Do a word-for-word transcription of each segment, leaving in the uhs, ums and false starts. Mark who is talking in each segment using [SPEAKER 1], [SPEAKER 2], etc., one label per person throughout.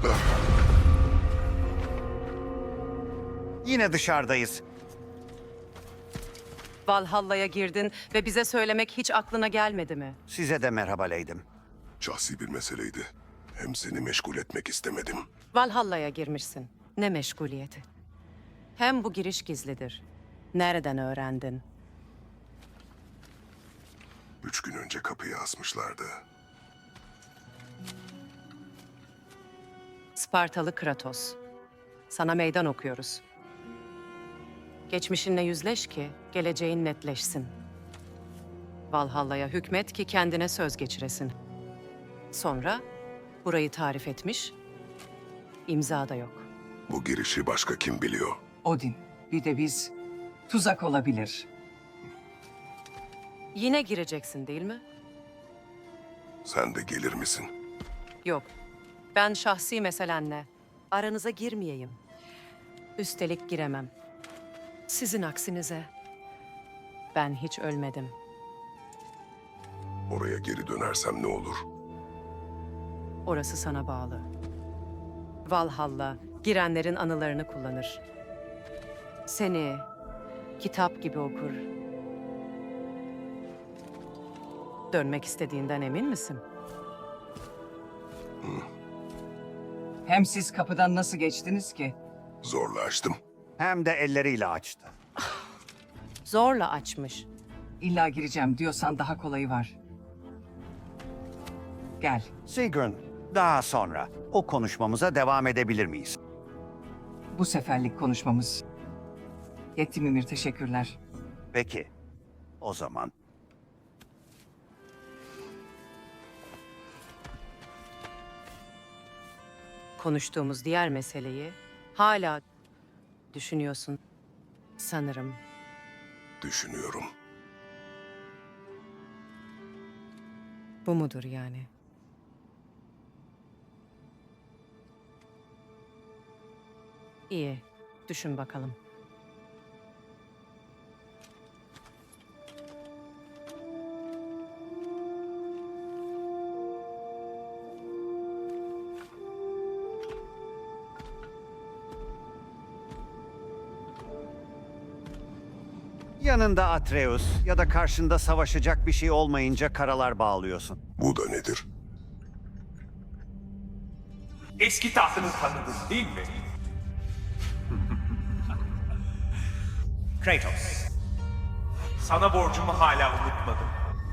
[SPEAKER 1] Yine dışarıdayız.
[SPEAKER 2] Valhalla'ya girdin ve bize söylemek hiç aklına gelmedi mi?
[SPEAKER 1] Size de merhaba Leydim.
[SPEAKER 3] Şahsi bir meseleydi. Hem seni meşgul etmek istemedim.
[SPEAKER 2] Valhalla'ya girmişsin. Ne meşguliyeti. Hem bu giriş gizlidir. Nereden öğrendin?
[SPEAKER 3] Üç gün önce kapıyı asmışlardı.
[SPEAKER 2] Spartalı Kratos. Sana meydan okuyoruz. Geçmişinle yüzleş ki geleceğin netleşsin. Valhalla'ya hükmet ki kendine söz geçiresin. Sonra burayı tarif etmiş, imza da yok.
[SPEAKER 3] Bu girişi başka kim biliyor?
[SPEAKER 4] Odin, bir de biz. Tuzak olabilir.
[SPEAKER 2] Yine gireceksin değil mi?
[SPEAKER 3] Sen de gelir misin?
[SPEAKER 2] Yok. Ben şahsi meselenle aranıza girmeyeyim. Üstelik giremem. Sizin aksinize ben hiç ölmedim.
[SPEAKER 3] Oraya geri dönersem ne olur?
[SPEAKER 2] Orası sana bağlı. Valhalla girenlerin anılarını kullanır. Seni kitap gibi okur. Dönmek istediğinden emin misin?
[SPEAKER 4] Hem siz kapıdan nasıl geçtiniz ki?
[SPEAKER 3] Zorla açtım.
[SPEAKER 1] Hem de elleriyle açtı.
[SPEAKER 2] Zorla açmış.
[SPEAKER 4] İlla gireceğim diyorsan daha kolayı var. Gel.
[SPEAKER 1] Sigrun, daha sonra o konuşmamıza devam edebilir miyiz?
[SPEAKER 4] Bu seferlik konuşmamız. Yetti Mimir, teşekkürler.
[SPEAKER 1] Peki, o zaman.
[SPEAKER 2] Konuştuğumuz diğer meseleyi hala düşünüyorsun sanırım.
[SPEAKER 3] Düşünüyorum.
[SPEAKER 2] Bu mudur yani? İyi, düşün bakalım.
[SPEAKER 1] Yanında Atreus ya da karşında savaşacak bir şey olmayınca karalar bağlıyorsun.
[SPEAKER 3] Bu da nedir?
[SPEAKER 5] Eski tahtını tanıdın değil mi? Kratos. Sana borcumu hala unutmadım.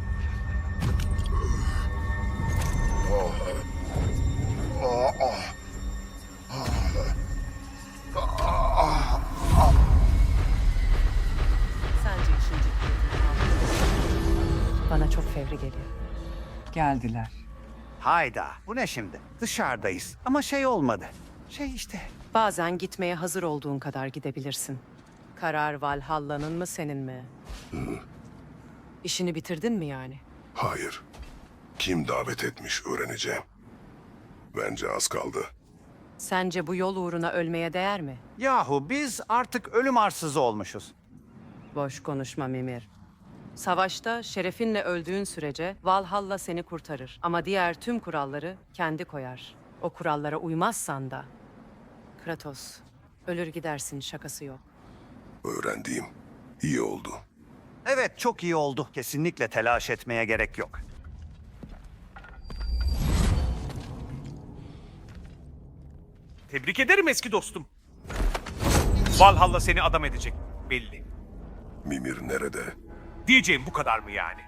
[SPEAKER 2] Sence işin ciddiyetini aldın. Bana çok fevri geliyor.
[SPEAKER 4] Geldiler.
[SPEAKER 1] Hayda, bu ne şimdi? Dışarıdayız ama şey olmadı. Şey işte.
[SPEAKER 2] Bazen gitmeye hazır olduğun kadar gidebilirsin. Karar Valhalla'nın mı senin mi? İşini bitirdin mi yani?
[SPEAKER 3] Hayır. Kim davet etmiş öğreneceğim. Bence az kaldı.
[SPEAKER 2] Sence bu yol uğruna ölmeye değer mi?
[SPEAKER 1] Yahu biz artık ölüm arsızı olmuşuz.
[SPEAKER 2] Boş konuşma Mimir. Savaşta şerefinle öldüğün sürece Valhalla seni kurtarır. Ama diğer tüm kuralları kendi koyar. O kurallara uymazsan da... Kratos, ölür gidersin, şakası yok.
[SPEAKER 3] Öğrendiğim iyi oldu.
[SPEAKER 1] Evet, çok iyi oldu. Kesinlikle telaş etmeye gerek yok.
[SPEAKER 5] Tebrik ederim eski dostum. Valhalla seni adam edecek belli.
[SPEAKER 3] Mimir nerede?
[SPEAKER 5] Diyeceğim bu kadar mı yani?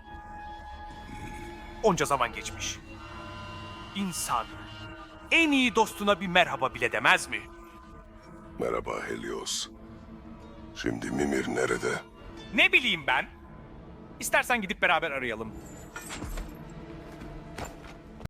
[SPEAKER 5] Onca zaman geçmiş. İnsan en iyi dostuna bir merhaba bile demez mi?
[SPEAKER 3] Merhaba Helios. Şimdi Mimir nerede?
[SPEAKER 5] Ne bileyim ben? İstersen gidip beraber arayalım.